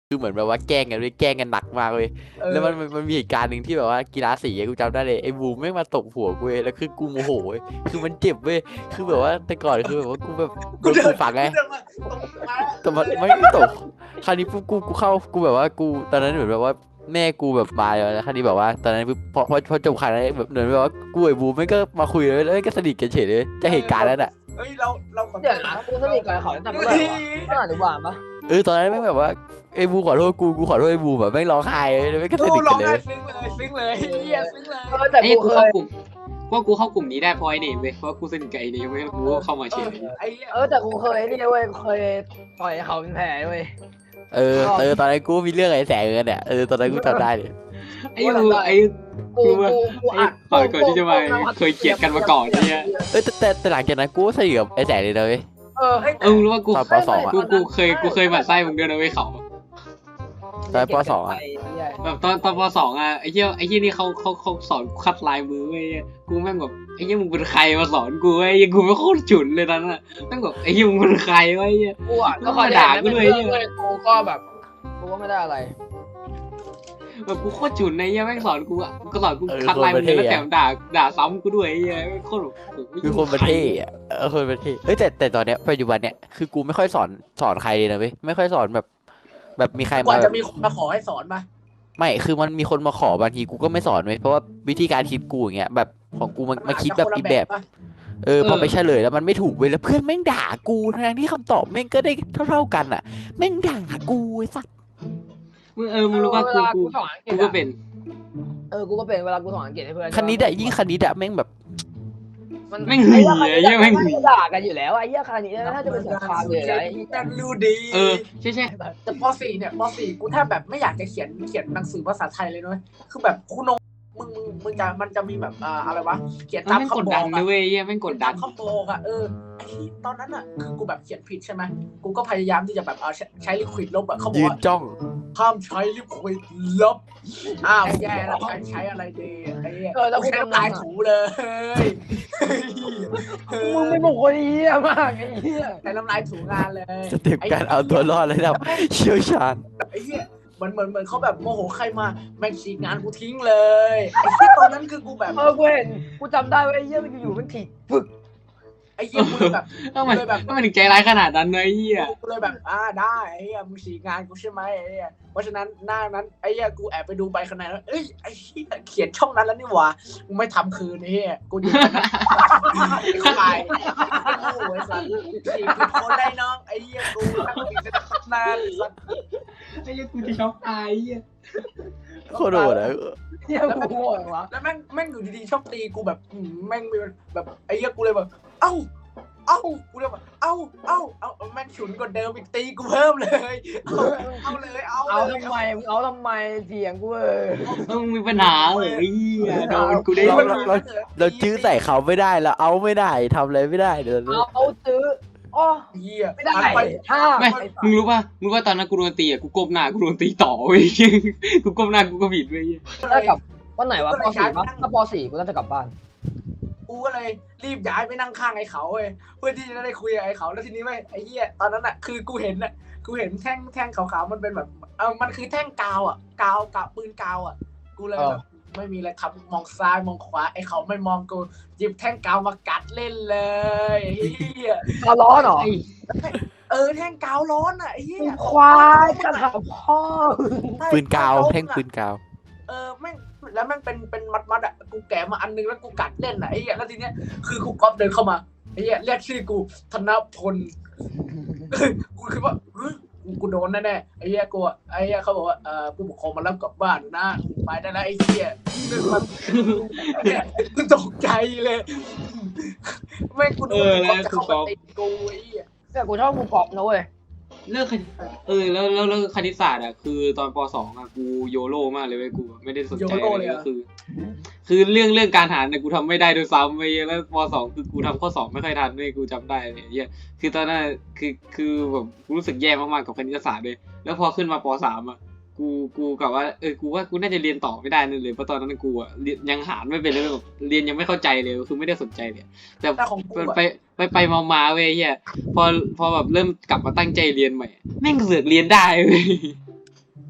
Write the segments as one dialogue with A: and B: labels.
A: คือเหมือนแบบว่าแกล้งกันเลยแกล้งกันหนักมากเลยแล้วมันมีเหตุการณ์หนึ่งที่แบบว่ากีฬาสีกูจำได้เลยไอ้บูมไม่งมาตบหัวกูเว้ยแล้วคือกูโมโหเว้ยคือมันเจ็บเว้ยคือแบบว่าแต่ก่อนคือแบบว่ากูแบบโดนกูฝังไงแต่มันไม่ตบคราวนี้ปุ๊บกูเข้ากูแบบว่ากูตอนนั้นเหมือนแบบว่าแม่กูแบบมาแล้วคราวนี้แบบว่าตอนนั้นปุ๊บพอจบข่าวนั้นแบบเหมือนแบบว่ากูไอ้บูมไม่งก็มาคุยเลยแล้วก็สนิทกันเฉยเลยจะเหตุการณ์นั้นอ่ะ
B: เฮ้ยเราขอ
C: เดี๋ยวนะกูสนิทกับเขาตั้งแต่เมื่อไหร่วะตั้งแต่อนุบาลปะ
A: ตอนนั้นแม่งแบบว่าไอ้บูขอโทษกูขอโทษไอ้บูแบบแม่งร้องไห้เลยไม่งก็ส
B: ดู
A: นิท
B: ร้
A: กั
B: อน ง
A: เล
B: ไห้
A: ย
B: ซึ้งเลยเฮียซึ้งเลย
C: แต่
D: ไอ้
C: กู
D: กู
C: เค
D: เข้าย กลุ่มว่ากูเข้ากลุ่มนี้ได้เพราะไอ้นี่เว้ยเพราะกูสนิทกับไอ้นี่เว้ยกูก็เข้ามาเฉย
B: ไอ้เหี้ย
C: แต่กูเคยนี่เว้ยเคยต่อยเขาเป็นแผลเว้ย
A: ตอนนั้นกูมีเรื่องไอ้แสงเงินเนี่ยตอนนั้นกูจำได้เลย
D: ไอ้กูไอ้
C: กูอัด
D: ก่อนที่จะมาเคยเกลียดกันมาก่อนเนี่ย
A: แต่หลังจากนั้นกูก็สนิทกับไอ้แสงเลยนะเว้ย
D: มึงรู้ว่ากู
A: ตอนปสองอะ
D: กูเคยหมั่นไส้มึงด้วยนะเว้ยเขา
A: ตอนปสองอะ
D: แบบตอนปสองอะไอ้เหี้ยนี่เขาสอนคัดลายมือเว้ยกูแม่งแบบไอ้เหี้ยมึงเป็นใครมาสอนกูไอ้เหี้ยกูไม่โคตรฉุนเลยนั้นอะแม่งแบบไอ้เหี้ยมึงเป็นใครวะไอ้เหี้ย
C: กูอ่ะก็คอยด่ากูเลยกูก็แบบกูก็ไม่ได้อะไร
D: แบบกูโคตรฉุนไอ้เหี้ยแม่งสอนกูอะก็สอนกูคัดลายมือแล้วแถมด่าซ้ำกูด้วยไอ้เหี้ยโคตรแบบโอ้โห
A: คือคนประเทศอะคนประเทศแต่ตอนเนี้ยปัจจุบันเนี้ยคือกูไม่ค่อยสอนใครเลยนะเว้ยไม่ค่อยสอนแบบมีใคร
B: กว่า
A: มา
B: จะมีคนมาขอให้สอนมา
A: ไม่คือมันมีคนมาขอบางทีกูก็ไม่สอนเว้ยเพราะว่าวิธีการคิดกูอย่างเงี้ยแบบของกูมันคิดแบบอีกแบบพอไปเฉลยแล้วมันไม่ถูกเว้ยแล้วเพื่อนแม่งด่ากูทั้งที่คำตอบแม่งก็ได้เท่ากันอ่ะแม่งด่ากูไอ้สัส
D: มึงรู้ว่ากูก็เป็น
C: กูก็เป็นเวลากูสอนอังกฤษให้เพื่อน
A: คณิตอะยิ่งคณิตอะแม่งแบบ
D: แม่งหึงเลยไอ้เหี้ยแม่งหึง
C: ด่ากันอยู่แล้วไอ้เหี้ยคณิตถ้าจะเป็นสงครามเลยไอ้
B: แต่รู้ดี
D: ใช่
B: แต่ป .4 เนี่ยป .4 กูแทบแบบไม่อยากจะเขียนหนังสือภาษาไทยเลยนะคือแบบคุณนงมึงจะมันจะมีแบบอะไรวะเขียนตาม
D: แม่งกด
B: คำบ
D: ดั
B: อน ก
D: นะเว้ยเหี้ยแม่งกดดัน
B: คำบอกอะไอ้ตอนนั้นอะคือกูแบบเขียนผิดใช่ไหมกูก็พยายามที่จะแบบใช้ลิควิดลบอะเขาบอก
A: ยืน
B: ว่า
A: จ้อง
B: ห้ามใช้ลิควิดลบแย่แล้วใช้อะไรดีไอ้เนี่ยใช้น้ำลายถูเลย
C: มึงไม่บอกคนเหี้ยมากไอ้เหี้ย
B: ใช้น้ำลายถูงานเลย
A: สเต็ปการเอาตัวรอดระดับเชี่ยวชาญ
B: ไอ้เหี้ยเหมือนเขาแบบโมโหใครมาแม่งฉีกงานกูทิ้งเลยไอ้เหี้ยตอนนั้นคือกูแบบ
C: กูเห็นกูจำได้ว่าไอ้เหี้ยมันอยู่มันถีบฟึก
B: ไอ้เหี้ยกูเลยแบบ
D: ต้องมันถึงใจร้ายขนาดนั้นเลยเหี้ย
B: กูเลยแบบได้ไอ้เหี้ยมึงฉีกงานกูใช่ไหมไอ้เหี้ยเพราะฉะนั้นหน้านั้นไอ้เหี้ยกูแอบไปดูใบคะแนนแล้วเอ้ยไอ้เหี้ยเขียนช่องนั้นแล้วนี่หว่ากูไม่ทำคืนไอ้เหี้ยกูอยู่เข้าไปโอ้ยสัตว์ฉีกผิดคนได้น้องไอ้เหี้ยกูตั้งผิดจะตั้งนานสัตว์
D: ไอ้เหี้ยกูจะช็อกตายเหี้ย
A: โคตรโหดอะ
C: เหี้ยกูโง่วะ
B: แล้วแม่งอยู่ดีๆชอบตีกูแบบแม่งมีแบบไอ้เหี้ยกูเลยแบบเอ้ากูเลยแบบเอ้าแม่งฉุนกว่าเดิมอีกตีกูเพิ่มเลยเอาเลย
C: เอาทำไมมึงเอาทำไมเถียงกู
D: มึงมีปัญหาเหรอไอ้เหี้ยโดนกูได้
A: เราจื้อใส่เขาไม่ได้เราเอาไม่ได้ทำอะไรไม่ได้เดี๋ยว
C: เอาซื้ออ๋อ
B: เหี้ย
C: ไม่ได้
B: ไป
C: ห้า
D: ไม่มึงรู้ป่ะตอนนั้นกูโดนตีอ่ะกูก้มหน้ากูโดนตีต่อเว้ยกูก้มหน้ากูก็ผิดเว้ย
C: ถ้ากลับวันไหนวะป .4 ปะถ้าป .4 กูน่าจะกลับบ้าน
B: กูก็เลยรีบย้ายไปนั่งข้างไอ้เขาเว้ยเพื่อที่จะได้คุยกับไอ้เขาแล้วทีนี้ไม่ไอ้เหี้ยตอนนั้นอ่ะคือกูเห็นแท่งขาวๆมันเป็นแบบมันคือแท่งกาวอ่ะกาวปืนกาวอ่ะกูเลยแบบไม่มีอะไรครับมองซ้ายมองขวาไอ้เขาไม่มองกูหยิบแท่งกาวมากัดเล่นเลยไอ้เหี้ย
C: เอาร้อนเหรอ
B: แท่งกาวร้อนอ่ะไอ้เหี้ย
C: ควายกระถางพ่อ
A: ปืนกาวแท่งปืนกาว
B: แม่งแล้วแม่งเป็นมัดอ่ะกูแกะมาอันนึงแล้วกูกัดเล่นอ่ะไอ้เหี้ยแล้วทีเนี้ยคือครูก๊อฟเดินเข้ามาไอ้เหี้ยเรียกชื่อกูธนพลกูคิดว่ากูโดนแน่ๆไอ้เหี้ยกูไอ้เหี้ยเขาบอกว่าผู้ปกครองมารับกลับบ้านนะไปได้แล้วไอ้เหี้ยนึกมันกูตกใจเลยแม่งกูโดนก๊อฟจะเข้ามาตีกูไอ้เหี้ย
C: แต่กูชอบกูกรอบนะเว้ย
D: เลิกแล้วคณิตศาสตร์อ่ะคือตอนป .2 อ่ะกูโยโร่มากเลยเว้ยกูไม่ได้สนใจอะไรก็คือเรื่องการหารเนี่ยกูทำไม่ได้ด้วยซ้ำไปแล้วป .2 คือกูทำข้อสอบไม่ค่อยทันเลยกูจำได้เลยเหี้ยคือตอนนั้นคือแบบกูรู้สึกแย่มากๆกับคณิตศาสตร์เลยแล้วพอขึ้นมาป .3 อ่ะกูกับว่ากูว่ากูน่าจะเรียนต่อไม่ได้นั่นเลยเพราะตอนนั้นกูอ่ะยังหารไม่เป็นเลยแบบเรียนยังไม่เข้าใจเลยคือไม่ได้สนใจเลยแต่ไปมาเว้ยเฮียพอแบบเริ่มกลับมาตั้งใจเรียนใหม่แม่งเสือกเรียนได้เว้ย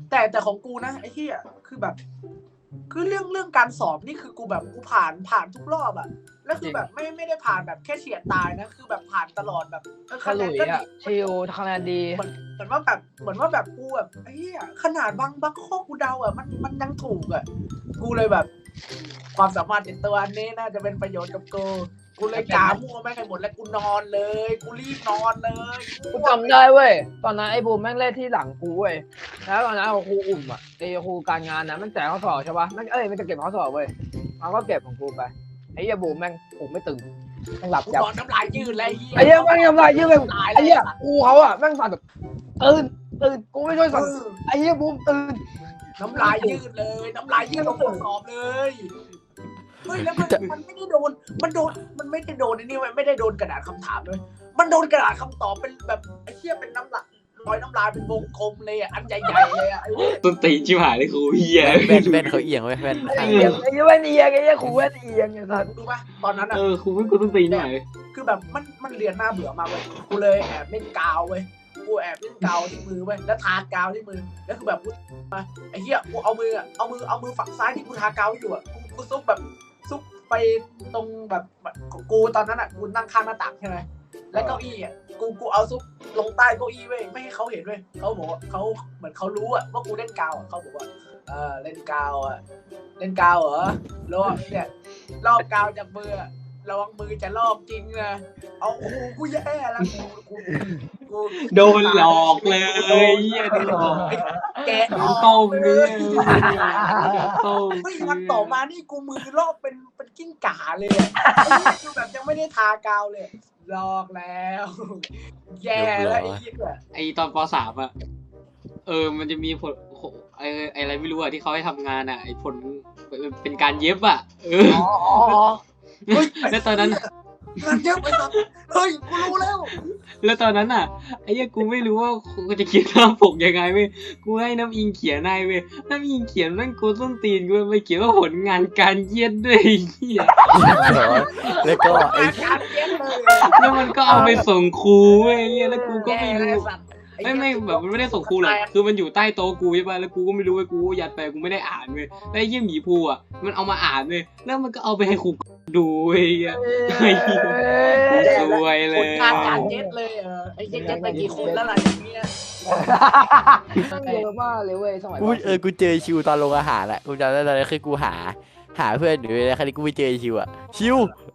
B: แต่ของกูนะไอ้เหี้ยคือแบบ คือเรื่องการสอบนี่คือกูแบบกูผ่านทุกรอบอะแล้วคือแบบไม่ได้ผ่านแบบแค่เฉียดตายนะคือแบบผ่านตลอดแบบ
C: ขลุยอ่ะชิวคะแนนดี
B: เหมือนว่าแบบกูแบบไอ้เหี้ยขนาดบางข้อกูเดาอะมันยังถูกอะกูเลยแบบ ความสามารถในตัวนี้น่าจะเป็นประโยชน์กับกูเลยกามั่วแม่งให้หมดแล้วกูนอนเลยกูรีบนอนเลย
C: กูจำได้เว้ยตอนนั้นไอ้บูมแม่งเล่นที่หลังกูเว้ยแล้วตอนนั้นครูอุ่มอ่ะไอ้ครูการงานนะมันแจกข้อสอบใช่ปะมันมันจะเก็บข้อสอบเว้ยมันก็เก็บของกูไปไอ้เหี้ยบูมแม่งปลุกไม่ตื่นแม่งหลับ
B: กู
C: ยับ
B: นอนน้ำลายยืดเลย
C: ไอ้เหี้ยแม่งทำไรยืดเลยไอ้เหี้ยกูเขาอ่ะแม่งสั่นแบบตื่นกูไม่ช่วยสั่นไอ้เหี้ยบูมตื่น
B: น้ำลายยืดเลยน้ำลายยืดลงข้อสอบเลยเฮ้ยแล้วมันไม่ได้โดนมันไม่ได้โดนนี่ไม่ได้โดนกระดาษคำถามเลยมันโดนกระดาษคำตอบเป็นแบบไอ้เหี้ยเป็นน้ำลายรอยน้ำลายเป็นวงกลมเลยอ่ะอันใหญ่ๆเลยอ่ะ
D: ต้นตีนชิบหายเลยครูเฮีย
A: แว่นเขาเอียงไว้แว่น
C: ไอ้เหี้ยไอ้เหี้ยแว่นเอียงไอ้เหี้ยครูแว่นเอียงไอ้สัส
B: รู้ป่ะตอนนั้นอ่ะ
D: ครูไม่กูต้นตีนหน่อย
B: คือแบบมันเรียนหน้าเบื่อมากเลยกูเลยแอบเล่นกาวเว้ยกูแอบเล่นกาวที่มือเว้ยแล้วทากาวที่มือแล้วคือแบบกูมาไอ้เหี้ยกูเอามือฝั่งซ้ายที่กูทากาวอยู่อ่ะกูซุกไปตรงแบบกูตอนนั้นอ่ะกูนั่งข้างหน้าต่างใช่ไหมแล้วเก้าอี้อ่ะกูเอาซุกลงใต้เก้าอี้เว้ยไม่ให้เขาเห็นเว้ยเขาบอกว่าเขาเหมือนเขารู้อ่ะว่ากูเล่นกาวอ่ะเขาบอกว่าเล่นกาวอ่ะเล่นกาวเหรอแล้วเนี่ยลอกกาวจากมือระวังมือจะลอกจริงนะเอาโอ้โหกูแย่แล้วกู
D: โดนหลอกเลยเฮียโดนหลอก
B: แกะออก
D: ต้มเนื้อ ต้ม
B: เฮ้ยวันต่อมานี่กูมือลอกเป็นกิ้งก่าเลยอะไอ้นี่คือแบบยังไม่ได้ทากาวเลยลอกแล้ว แย่แล้วไอ้เหี้ย
D: ไอตอนป .3 อ่ะมันจะมีผลอะไรไม่รู้อ่ะที่เขาให้ทำงานอ่ะไอผลเป็นการเย็บอ่ะ
B: เฮ้ย
D: แล้วตอนนั้น
B: งานเยอะไปสัตว์เฮ้ยกูรู้แล้ว
D: แล้วตอนนั้นอ่ะไอ้เหี้ยกูไม่รู้ว่ากูจะเขียนหน้าปกยังไงเว้ยกูให้น้ำอิงเขียนให้เว้ยน้ำอิงเขียนนั่นกูส้นตีนกูไปเขียนว่าผลงานการเย็ดด้วยไอ้เหี้ย
A: แล้วก็ไอ้
B: งานเย็บเลย
D: แล้วมันก็เอาไปส่งครูเว้ยไอ้เหี้ยแล้วกูก็ไม่
B: แย่
D: รู้
B: เลยสัตว์
D: ไม่แบบมันไม่ได้ส่งครูหรอกคือมันอยู่ใต้โต๊ะกูใช่ป่ะแล้วกูก็ไม่รู้เว้ยกูยัดไปกูไม่ได้อ่านเว้ยแล้วไอ้เหี้ยหมีภูอ่ะมันเอามาอ่านเว้ยแล้วมันก็เอาไปให้ครูดูเว้ยไอ้เหี้ยสวยเล
B: ผ
D: ย
B: ลงานการเย็ดเลยไอ้เย็ดไปกี่คนแล้วล่ะอย่างเงี้ย
C: เยอะมากเลยเว้ยสมัย
A: กูเจอชิวตอนโรงอาหารแหละกูจำได้ตอนนั้นคือกูหาเพื่อนอยู่ในคดีกูไปเจอชิวอะชิว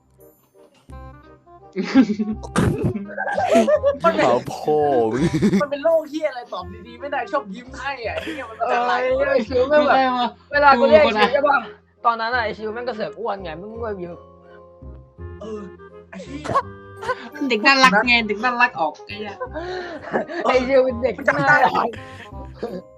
A: เขาโผล่
B: มันเป็นโรคเฮียอะไรตอบดีๆไม่ได้ชอบยิ้มให้อ่ะเฮียมันเป็นอะไร
C: ไอ้ชิวแม่งแบบเวลากูเรียกชิวใช่ป่ะตอนนั้นไอ้ชิวแม่งก็เสือกอ้วนไงมึงก็ยิ้ม
B: ไอ้เฮีย
D: เด็กน่ารักไงเด็กน่ารักออกไอ้เหี้ย
C: ไอ้ชิวเป็นเด็ก
B: จำได้
C: น่ารัก